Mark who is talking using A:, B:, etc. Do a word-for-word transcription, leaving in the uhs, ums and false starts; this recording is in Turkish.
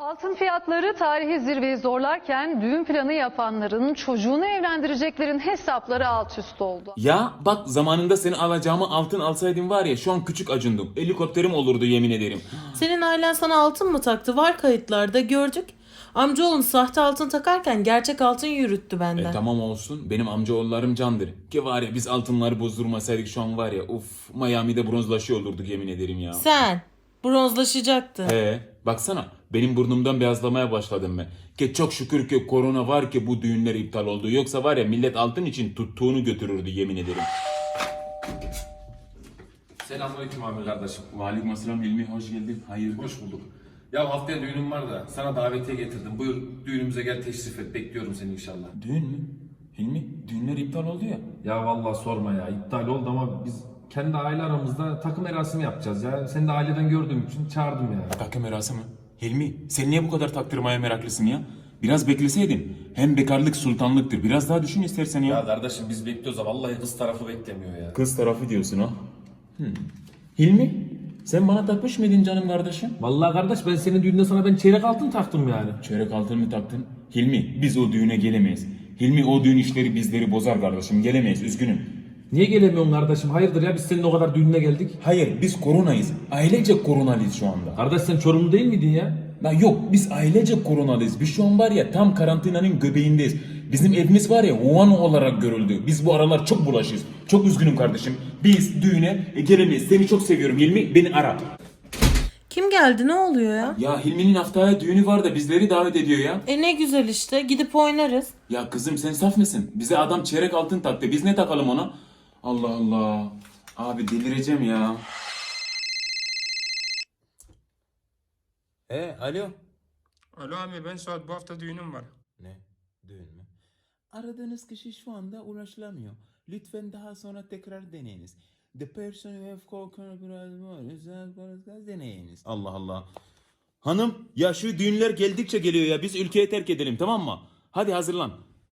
A: Altın fiyatları tarihi zirveyi zorlarken düğün planı yapanların çocuğunu evlendireceklerin hesapları alt üst oldu.
B: Ya bak zamanında seni alacağımı altın alsaydım var ya şu an küçük acındım. Helikopterim olurdu yemin ederim.
C: Senin ailen sana altın mı taktı? Var kayıtlarda gördük. Amcaoğlum sahte altın takarken gerçek altın yürüttü benden.
B: E tamam olsun benim amcaoğullarım candır. Ki var ya biz altınları bozdurmasaydık şu an var ya uf Miami'de bronzlaşıyor olurduk yemin ederim ya.
C: Sen bronzlaşacaktın.
B: He baksana benim burnumdan beyazlamaya başladım ben. Ki çok şükür ki korona var ki bu düğünler iptal oldu. Yoksa var ya millet altın için tuttuğunu götürürdü yemin ederim.
D: Selamünaleyküm Amir kardeşim.
B: Aleykümselam Hilmi hoş geldin. Hayır.
D: Hoş bulduk. Ya haftaya düğünüm var da sana davetiye getirdim. Buyur düğünümüze gel teşrif et. Bekliyorum seni inşallah.
B: Düğün mü? Hilmi düğünler iptal oldu ya.
D: Ya vallahi sorma ya. İptal oldu ama biz kendi aile aramızda takım merasimi yapacağız ya. Seni de aileden gördüğüm için çağırdım ya.
B: Takım merası mı? Hilmi sen niye bu kadar taktırmaya meraklısın ya? Biraz bekleseydin. Hem bekarlık sultanlıktır. Biraz daha düşün istersen ya.
D: Ya kardeşim biz bekliyoruz da vallahi kız tarafı beklemiyor ya.
B: Kız tarafı diyorsun ha. Hmm. Hilmi sen bana takmış mıydın canım kardeşim?
D: Vallahi kardeş ben senin düğünde sana ben çeyrek altın taktım yani.
B: Çeyrek altın mı taktın? Hilmi biz o düğüne gelemeyiz. Hilmi o düğün işleri bizleri bozar kardeşim. Gelemeyiz üzgünüm.
D: Niye gelemiyorsun kardeşim? Hayırdır ya biz senin o kadar düğününe geldik.
B: Hayır biz koronayız. Ailece koronalıyız şu anda.
D: Kardeş sen Çorumlu değil miydin ya?
B: La yok biz ailece koronalıyız. Biz şu an var ya tam karantinanın göbeğindeyiz. Bizim evimiz var ya Wuhan olarak görüldü. Biz bu aralar çok bulaşıyız. Çok üzgünüm kardeşim. Biz düğüne e, gelemeyiz. Seni çok seviyorum Hilmi. Beni ara.
C: Kim geldi, ne oluyor ya?
B: Ya Hilmi'nin haftaya düğünü var da bizleri davet ediyor ya.
C: E ne güzel işte, gidip oynarız.
B: Ya kızım sen saf mısın? Bize adam çeyrek altın taktı. Biz ne takalım ona? Allah Allah. Abi delireceğim ya. E alo.
E: Alo abi ben Suat bu hafta düğünüm var.
B: Ne? Düğün mü? Aradığınız kişi şu anda ulaşılamıyor. Lütfen daha sonra tekrar deneyiniz. The person you have called deneyiniz. Allah Allah. Hanım ya şu düğünler geldikçe geliyor ya. Biz ülkeyi terk edelim tamam mı? Hadi hazırlan.